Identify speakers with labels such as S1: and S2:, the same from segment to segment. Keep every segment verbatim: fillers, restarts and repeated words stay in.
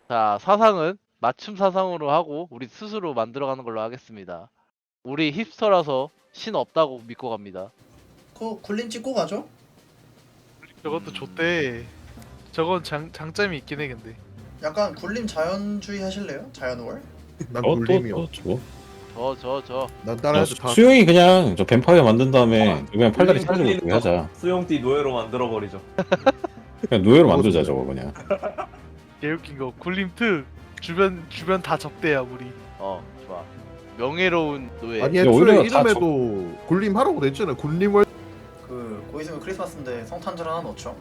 S1: 자, 사상은 맞춤 사상으로 하고 우리 스스로 만들어가는 걸로 하겠습니다. 우리 힙스터라서 신 없다고 믿고 갑니다.
S2: 그거 굴림 찍고 가죠?
S3: 저것도 좋대. 저건 장, 장점이 있긴 해 근데.
S2: 약간 굴림 자연주의 하실래요? 자연월?
S4: 난
S5: 어,
S4: 굴림이요.
S5: 또, 또 저거?
S1: 저, 저, 저.
S4: 난
S5: 야,
S4: 다른
S5: 수-
S4: 애들 다
S5: 수영이 그냥 저 뱀파이어 만든 다음에 그냥 팔다리
S6: 굴림
S5: 사라지고 그렇게 하자.
S6: 수용띠 노예로 만들어 버리죠.
S5: 그냥 노예로 만들자 저거 그냥.
S3: 개웃긴 거 굴림 특 주변 주변 다 적대야 우리.
S1: 어, 좋아. 명예로운 노예.
S4: 아니
S5: 야,
S4: 애초에
S5: 오히려 다
S4: 이름에도 굴림 하라고 됐잖아요. 굴림을
S2: 그 곧 있으면 크리스마스인데 성탄절 하나 넣죠?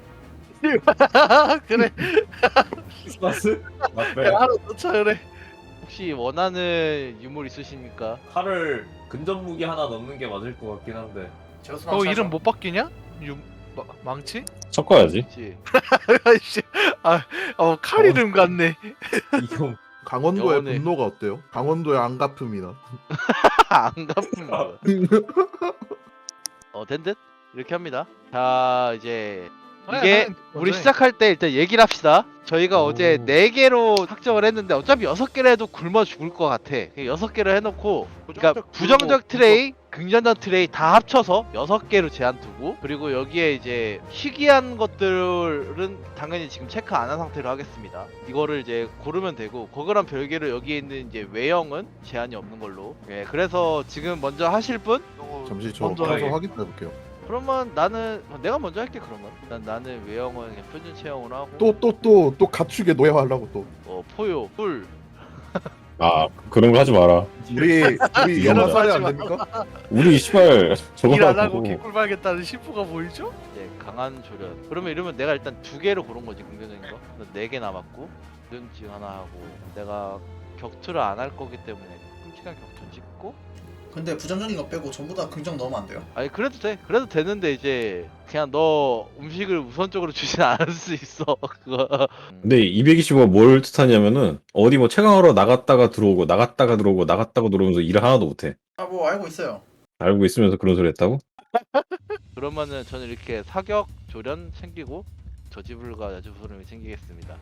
S3: 그래.
S6: 크리스마스? 맞네.
S3: 하나 넣자 그래.
S1: 혹시 원하는 유물 있으십니까?
S6: 칼을 근접 무기 하나 넣는 게 맞을 것 같긴 한데.
S2: 제우스
S3: 너
S2: 망치
S3: 이름
S2: 하죠?
S3: 못 바뀌냐? 유 마, 망치?
S5: 섞어야지.
S1: 그렇지.
S3: 아이씨. 아, 어, 칼 이름 같네.
S6: 이형
S4: 강원도의
S1: 영혼의-
S4: 분노가 어때요? 강원도의 안갚음이나.
S1: 안 갚은 거. 어, 된 듯? 이렇게 합니다. 자, 이제 이게 우리 시작할 때 일단 얘기를 합시다. 저희가
S4: 오.
S1: 어제 네 개로 확정을 했는데 어차피 여섯 개를 해도 굶어 죽을 것 같아. 그냥 여섯 개를 해놓고 그러니까 부정적 트레이, 긍정적 트레이 다 합쳐서 여섯 개로 제한 두고 그리고 여기에 이제 희귀한 것들은 당연히 지금 체크 안 한 상태로 하겠습니다. 이거를 이제 고르면 되고 그거랑 별개로 여기에 있는 이제 외형은 제한이 없는 걸로. 예, 그래서 지금 먼저 하실 분?
S4: 잠시 저
S3: 먼저
S4: 가서
S3: 하게.
S4: 확인해 볼게요.
S1: 그러면 나는 내가 먼저 할게. 그러면 난 나는 외형은 그냥 표준 체형으로 하고
S4: 또 또 또 또 갖추게 노예하려고 또.
S1: 어 포요 꿀
S5: 아 그런 거 하지 마라.
S4: 우리 우리
S5: 이런
S4: 영화
S5: 거
S4: 사례
S3: 하지
S4: 안
S3: 마.
S4: 됩니까?
S5: 우리 씨발 저거
S3: 일 안 하고
S5: 가지고
S3: 개꿀 빨겠다는 심보가 보이죠?
S1: 이제 강한 조련. 그러면 이러면 내가 일단 두 개로 고른 거지 긍정적인 거. 네 개 남았고 눈치 하나 하고 내가 격투를 안 할 거기 때문에 끔찍한 격투 찍고.
S2: 근데 부정적인 거 빼고 전부 다 긍정 넣으면 안 돼요?
S1: 아니 그래도 돼. 그래도 되는데 이제 그냥 너 음식을 우선적으로 주진 않을 수 있어. 그거.
S5: 근데 이백이십오가 뭘 뜻하냐면은 어디 뭐 최강으로 나갔다가 들어오고 나갔다가 들어오고 나갔다가 들어오면서 일을 하나도 못해.
S2: 아 뭐 알고 있어요.
S5: 알고 있으면서 그런 소리 했다고?
S1: 그러면은 저는 이렇게 사격 조련 챙기고 저지불과 야주소름이 챙기겠습니다.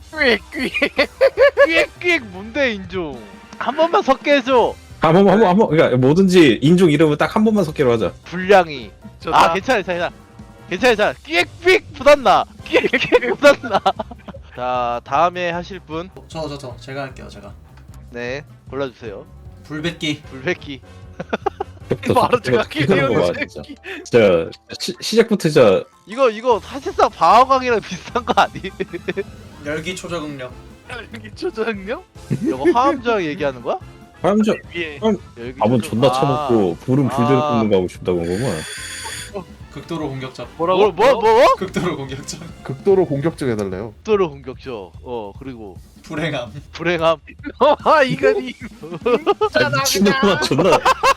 S1: 꽥꽥 뭔데 인종? 한 번만 섞게 해줘.
S5: 한 번만 한번 한번 그러니까 뭐든지 인종 이름을 딱 한 번만 섞기로 하자.
S1: 분량이.
S3: 좋다.
S1: 아 괜찮아 괜찮아 괜찮아 괜찮아. 꽥꽥 부담나. 꽥꽥 부담나. 자 다음에 하실 분.
S2: 저 저 저 제가 할게요 제가.
S1: 네 골라주세요.
S2: 불뱉기.
S1: 불백기.
S3: 바로 제가
S5: 기대는 거 봐,
S3: 끼리는
S5: 진짜. 진짜 시, 시작부터 진짜
S1: 이거 이거 사실상 방어광이랑 비슷한 거 아니?
S2: 열기 초저응력.
S3: 여기 초장요?
S1: 이거 화암저항 얘기하는 거야?
S5: 화염저
S3: 위에
S1: 여기
S5: 밥은
S1: 좀-
S5: 존나
S1: 아,
S5: 처먹고 불은 불대로
S1: 아.
S5: 굽는 거 하고 싶다고 한 거구만.
S2: 극도로 공격적.
S1: 뭐,
S3: 뭐라고?
S1: 뭐, 뭐?
S2: 극도로 공격적.
S4: 극도로 공격적 해달래요.
S1: 또로 공격적. 어 그리고
S2: 불행함.
S1: 불행함.
S3: 아 이간이
S5: 아, 미친놈아 존나.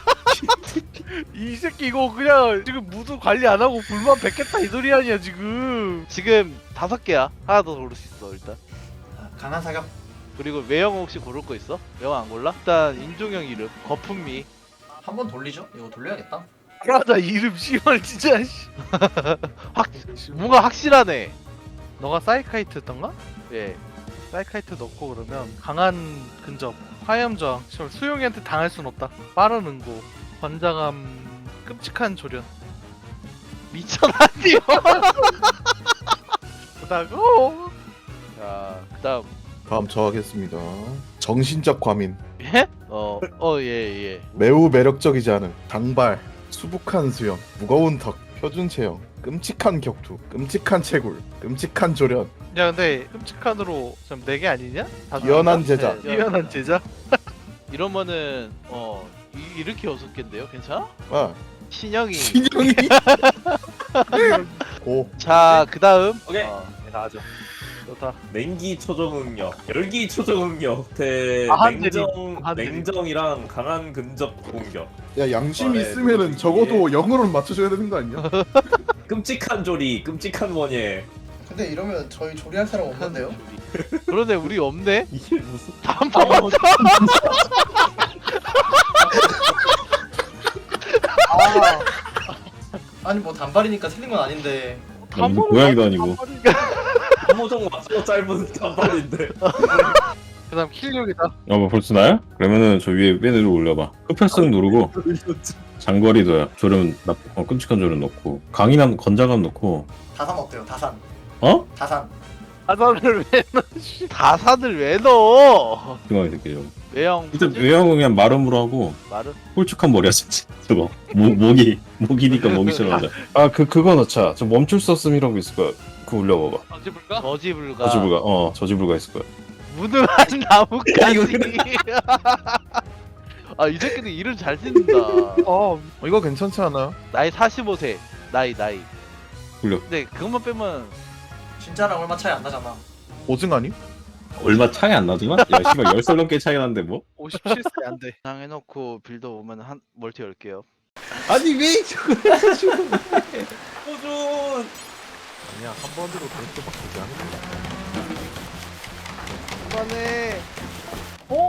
S3: 이 새끼 이거 그냥 지금 무드 관리 안 하고 불만 뱉겠다 이 소리 아니야 지금.
S1: 지금 다섯 개야. 하나 더 고를 수 있어 일단.
S2: 강한 사격.
S1: 그리고 외형 혹시 고를 거 있어? 외형 안 골라? 일단 인종형 이름 거품미.
S2: 한 번 돌리죠? 이거 돌려야겠다.
S3: 맞아 이름 씨발 진짜. 씨.
S1: 확 뭔가 확실하네.
S3: 너가 사이카이트였던가?
S1: 예.
S3: 사이카이트 넣고 그러면 강한 근접, 화염저항, 씨발, 수용이한테 당할 순 없다. 빠른 응고, 권장함, 끔찍한 조련.
S1: 미쳐나니요.
S3: 그다고
S1: 자 그다음
S4: 다음 저 하겠습니다. 정신적 과민.
S1: 예? 어어 예 예.
S4: 매우 매력적이지 않은 장발, 수북한 수염, 무거운 턱, 표준 체형, 끔찍한 격투, 끔찍한 채굴, 끔찍한 조련,
S3: 야 근데 끔찍한으로 좀 네 개 아니냐? 다
S4: 뛰어난 제자.
S1: 네,
S3: 뛰어난 제자?
S1: 이러면은 어 이, 이렇게 여섯 개인데요? 괜찮아?
S4: 아
S1: 신형이.
S4: 신형이 고
S1: 자 그다음.
S6: 오케이.
S1: 어,
S3: 나가죠. 좋다.
S6: 냉기 초정응력, 열기 초정응력 대
S3: 아, 한
S6: 냉정
S3: 한 대리.
S6: 냉정이랑 강한 근접 공격.
S4: 야 양심이
S6: 아, 네,
S4: 있으면은
S6: 네.
S4: 적어도 영어로는 맞춰줘야 되는 거 아니야?
S6: 끔찍한 조리, 끔찍한 원예.
S2: 근데 이러면 저희 조리할 사람 없는데요?
S1: 그러네 우리 없네.
S6: 이게 무슨?
S1: 한 번만 더.
S2: 아. 아니 뭐 단발이니까 틀린 건 아닌데.
S5: 무슨 고양이도 아니고.
S6: 한모정 맞죠? 또 짧은 단발인데.
S3: 그 다음 킬력이다.
S5: 어, 뭐 벌써 나야? 그러면은 저 위에 맨으로 올려봐. 흡혈성 누르고 장거리도야. 조련 나 어, 끔찍한 조련 넣고 강인함 건장감 넣고
S2: 다산 어때요? 다산.
S5: 어?
S2: 다산.
S3: 아산을 왜
S1: 다산을 왜 넣어?
S5: 중앙에 새끼 좀.
S1: 외형
S5: 일단 외형은 그냥 마름으로 하고
S1: 말은
S5: 홀쭉한 머리야 진짜. 저거 목 목이 목이니까 목이 싫어하자. 아그 그거 넣자. 저 멈출 수 없음이라고 있을 거야. 그거 올려봐봐.
S3: 어지불가?
S1: 저지불가
S5: 저지불가 어 저지불가 있을 거야.
S1: 무능한 나뭇가지. 아 이 새끼들 이름 잘 짓는다.
S4: 어 이거 괜찮지 않아?
S1: 나이 사십오 세. 나이 나이.
S5: 굴려.
S1: 근데 그것만 빼면
S2: 진짜랑 얼마 차이 안 나잖아.
S4: 오징 아니?
S5: 얼마 차이 안 나지만? 야 씨발 열 살 넘게 차이 나는데 뭐?
S3: 오십칠 세 안 돼.
S1: 그냥 해놓고 빌더 오면 한 멀티 열게요.
S4: 아니 왜 저거
S6: 호준.
S4: 아니야 한 번으로 그렇게 바꾸지 않는다.
S1: 그만해.
S2: 어?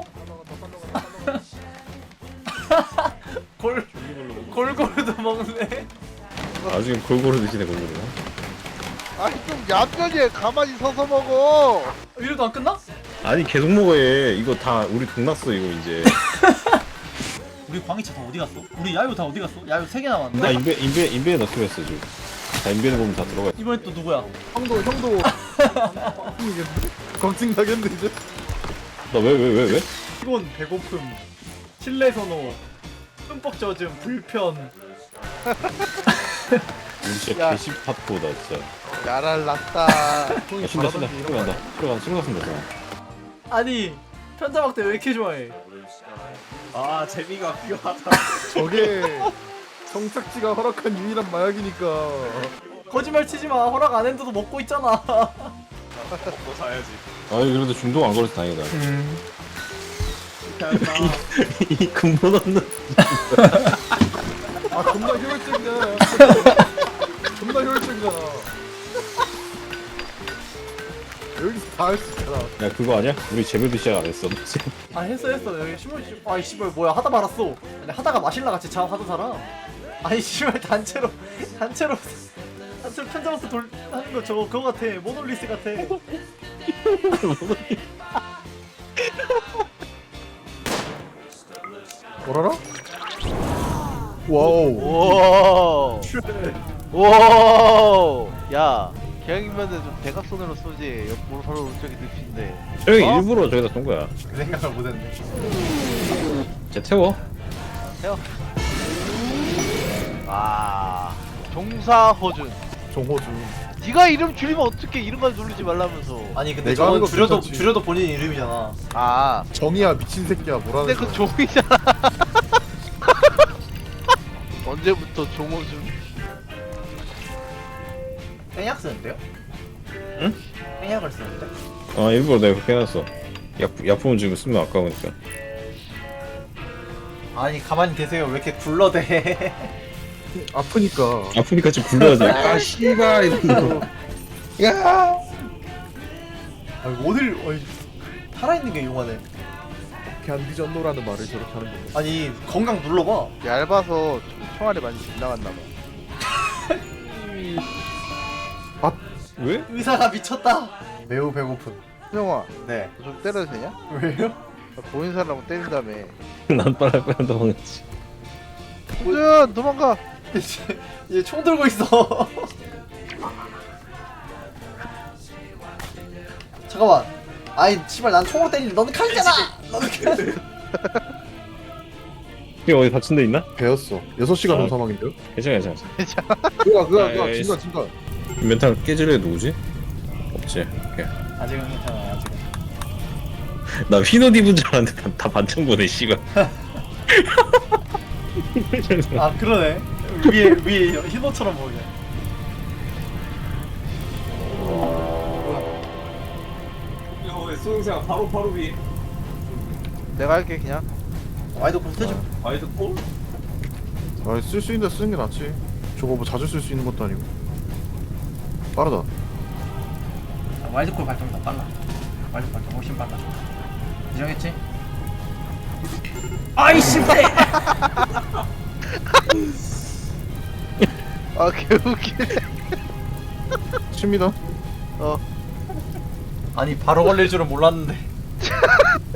S2: 골 골고루도 먹네.
S5: 나중에 골고루 드시네 골고루.
S1: 아니 좀 얌전히 가만히 서서 먹어.
S2: 이래도 안 끝나?
S5: 아니 계속 먹어야 해. 이거 다 우리 돈 났어 이거 이제.
S2: 우리 광희차 다 어디 갔어? 우리 야유 다 어디 갔어? 야유 세 개 남았는데.
S5: 나 인베 인베 인베에 넣기로 했어 지금. 다 인베에 보면 다 들어가.
S2: 이번엔 또 누구야?
S4: 형도 형도 광증 나겠네 이제.
S5: 나 왜 왜 왜 왜?
S2: 피곤, 배고픔, 실내 선호, 흠뻑 젖음, 불편.
S5: 우리 진짜
S1: 야.
S5: 개십팟코다 진짜.
S1: 야랄 났다.
S5: 야, 신다 신다 들어간다 들어간다 들어간다.
S2: 아니 편자박대 왜 이렇게 좋아해?
S6: 아 재미가 필요하다.
S4: 저게 성착지가 허락한 유일한 마약이니까.
S2: 거짓말 치지 마. 허락 안 했는데도 먹고 있잖아.
S6: 먹고 사야지.
S5: 아니 그래도 중독 안 걸려서 다행이다.
S6: 이
S5: 근본 없는.
S4: 아 존나 효율적이야. 존나 효율적이잖아. 여기서 다 할 수 있잖아.
S5: 야 그거 아니야? 우리 재배도 시작 안 했어.
S2: 아 했어 했어. 여기 신문 씨. 아이 씨발 뭐야 하다 말았어. 아니 하다가 마실라 같이 자 하던 사람. 아니 씨발 단체로 단체로 단체로 편자박대 돌 하는 거 저거 그거 같아. 모놀리스 같아.
S4: 뭐라라? 와우.
S1: 오. 오. 야. 기왕이면은 좀 대각선으로 쏘지. 옆 오른쪽 오른쪽이 늪인데.
S5: 저기
S1: 어?
S5: 일부러 저기다 쏜 거야.
S2: 그 생각을 못했네.
S5: 쟤 태워.
S1: 아. 종사허준.
S4: 정호주.
S1: 네가 이름 줄이면 어떻게 이런 걸 누르지 말라면서.
S2: 아니 근데
S4: 내가 하는
S2: 저건
S4: 거
S2: 줄여도
S4: 괜찮지.
S2: 줄여도 본인 이름이잖아.
S1: 아.
S4: 정이야 미친 새끼야 뭐라는
S1: 근데
S4: 거야.
S1: 그 종이잖아. 언제부터 종호준?
S2: 땡약 쓰는데요?
S5: 응?
S2: 땡약을 쓰는데?
S5: 아 일부러 내가 그렇게 해놨어. 약 약품은 지금 쓰면 아까우니까.
S2: 아니 가만히 계세요. 왜 이렇게 굴러대?
S4: 아프니까.
S5: 아프니까 지금 굴러야지. 아 씨발 이러면서. 야.
S2: 아니 어딜 어이, 살아있는 게 용하네.
S4: 걔안 뒤졌노라는 말을 저렇게 하는 거야.
S2: 아니 건강 눌러봐.
S1: 얇아서 좀 총알이 많이 빗나갔나 봐.
S5: 왜?
S2: 의사가 미쳤다. 매우 배고픈.
S1: 수영아,
S2: 네.
S1: 너 좀 때려도 되냐?
S2: 왜요?
S1: 나 보인 사람 때린다며.
S5: 난 빨리 빨리 도망갔지.
S1: 호준 도망가.
S2: 이제 이제 총 들고 있어. 잠깐만. 아이 씨발 난 총으로 때리는데 너는 칼이잖아. 너는 칼.
S5: 이 어디 다친 데 있나?
S4: 배웠어. 여섯 시간
S5: 어.
S4: 후 사망인데요?
S5: 괜찮아 괜찮아.
S4: 그가 그가
S5: 아,
S4: 그가
S5: 예,
S4: 진가 진가.
S5: 멘탈 깨질 애 누구지? 없지. 오케이.
S2: 아직은 괜찮아. 아직은.
S5: 나 휘옷 입은 줄 알았는데 다, 다 반창 보네 씨발.
S2: 아 그러네. 위에 위에 흰옷처럼 보이네.
S6: 어, 소영생 바로 바로 위.
S1: 내가 할게 그냥.
S2: 와이드 콜 쓰죠.
S6: 와이드 콜?
S4: 아쓸 수 있는데 쓰는 게 낫지. 저거 뭐 자주 쓸 수 있는 것도 아니고. 빠르다.
S2: 와이드 콜 발동이 더 빨라. 와이드 발동 훨씬 빨라. 인정했지? 아이 씨발.
S1: 아 개웃기네.
S4: 칩니다.
S1: 어.
S2: 아니 바로 걸릴 줄은 몰랐는데